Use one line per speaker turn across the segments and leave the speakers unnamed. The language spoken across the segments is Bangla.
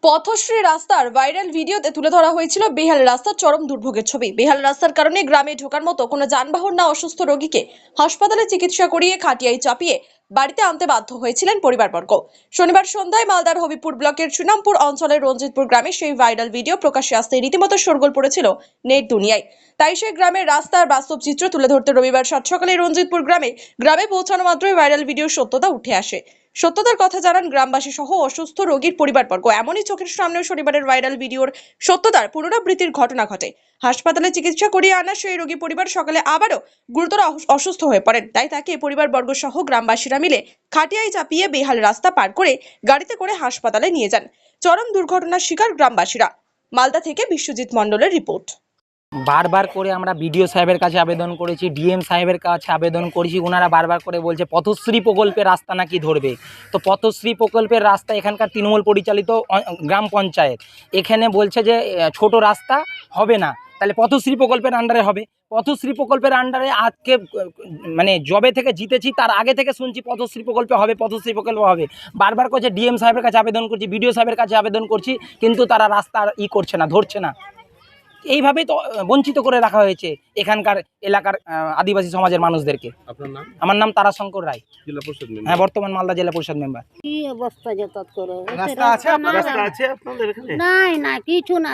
পথশ্রী রাস্তার ভাইরাল ভিডিওতে তুলে ধরা হয়েছিল বেহাল রাস্তার চরম দুর্ভোগের ছবি। বেহাল রাস্তার কারণে গ্রামে ঢোকার মতো কোনো যানবাহন না অসুস্থ রোগীকে হাসপাতালে চিকিৎসা করিয়ে খাটিয়ায় চাপিয়ে বাড়িতে আনতে বাধ্য হয়েছিলেন পরিবারবর্গ। শনিবার সন্ধ্যায় মালদার হবিপুর ব্লকের শ্রীরামপুর অঞ্চলের রঞ্জিতপুর গ্রামে সেই ভাইরাল ভিডিও প্রকাশ্যে আসতে রীতিমতো শোরগোল পড়েছিল নেট দুনিয়ায়। তাই সেই গ্রামের রাস্তার বাস্তব চিত্র তুলে ধরতে রবিবার সাত সকালে রঞ্জিতপুর গ্রামে পৌঁছানো মাত্রই ভাইরাল ভিডিওর সত্যতা উঠে আসে। সত্যতার কথা জানান গ্রামবাসী সহ অসুস্থ রোগীর পরিবারবর্গ। এমনই চোখের সামনেও শনিবারের ভাইরাল ভিডিওর সত্যতার পুনরাবৃত্তির ঘটনা ঘটে। হাসপাতালে চিকিৎসা করিয়ে আনা সেই রোগী পরিবার সকালে আবারও গুরুতর অসুস্থ হয়ে পড়েন। তাই তাকে পরিবারবর্গ সহ গ্রামবাসীরা মিলে খাটিয়ায় চাপিয়ে বেহাল রাস্তা পার করে গাড়িতে করে হাসপাতালে নিয়ে যান। চরম দুর্ঘটনার শিকার গ্রামবাসীরা। মালদা থেকে বিশ্বজিৎ মণ্ডলের রিপোর্ট।
বারবার করে আমরা বিডিও সাহেবের কাছে আবেদন করেছি, ডিএম সাহেবের কাছে আবেদন করেছি। ওনারা বারবার করে বলছে পথশ্রী প্রকল্পের রাস্তা নাকি ধরবে। তো পথশ্রী প্রকল্পের রাস্তা এখানকার তৃণমূল পরিচালিত গ্রাম পঞ্চায়েত, এখানে বলছে যে ছোট রাস্তা হবে না, তাহলে পথশ্রী প্রকল্পের আন্ডারে হবে। পথশ্রী প্রকল্পের আন্ডারে আজকে মানে জবে থেকে জিতেছি তার আগে থেকে শুনছি পথশ্রী প্রকল্পে হবে, পথশ্রী প্রকল্প হবে। বারবার করছে ডিএম সাহেবের কাছে আবেদন করছি, বিডিও সাহেবের কাছে আবেদন করছি, কিন্তু তারা রাস্তা করছে না, ধরছে না। এইভাবেই তো বঞ্চিত করে রাখা হয়েছে এখানকার এলাকার আদিবাসী সমাজের মানুষদেরকে। আপনার নাম? আমার নাম তারাশঙ্কর রায়, জেলা পরিষদ মেম্বার। হ্যাঁ, বর্তমান মালদা জেলা পরিষদ মেম্বার।
কি অবস্থা যাতায়াত করে?
রাস্তা আছে আপনাদের এখানে?
নাই না, কিছু না,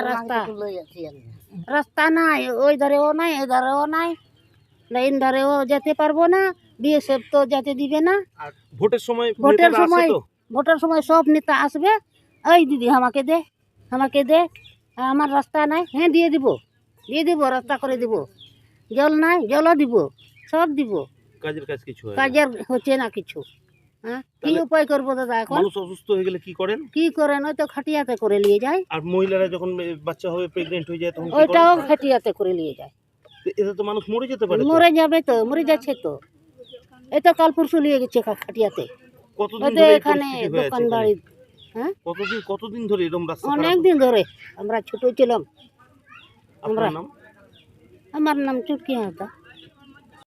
রাস্তা নাই। ওই ধারেও নাই, এই ধারেও নাই, লাইন ধারেও যেতে পারবো না। বিএসএফ তো যেতে দিবে না।
আর ভোটের সময়
ভোটের সময় সব নেতা আসবে, এই দিদি আমাকে দে, আমার রাস্তা নাই। হ্যাঁ, দিয়ে দিব, রাস্তা করে দিব। জল নাই, জলও দিব, সব দিব।
কাজের কাজ কিছু হয় না।
কাজের হচ্ছে না কিছু। হ্যাঁ, কি উপায় করবো দাদা? এখন
মানুষ অসুস্থ হয়ে গেলে কি করেন?
ওই তো খাটিয়াতে করে নিয়ে যায়।
আর মহিলারা যখন বাচ্চা হবে, প্রেগনেন্ট হয়ে যায়, তখন কি
ওইটাও
করেন?
খাটিয়াতে করে নিয়ে যায়।
এতে তো মানুষ মরে যেতে পারে।
মরে যাবে তো, মরে যাচ্ছে তো। এই তো কাল পরশু নিয়ে গেছে খাটিয়াতে।
কতদিন
ওই তো
ধরে এই
এখানে
পরিস্থিতি হয়ে আছে
দোকান
এখানে?
বাড়ি। হ্যাঁ,
কতদিন ধরে এরকম রাস্তা খারাপ?
অনেক দিন ধরে। আমরা ছোট ছিলাম।
আপনার নাম?
আমার নাম চুটকি হাঁসদা।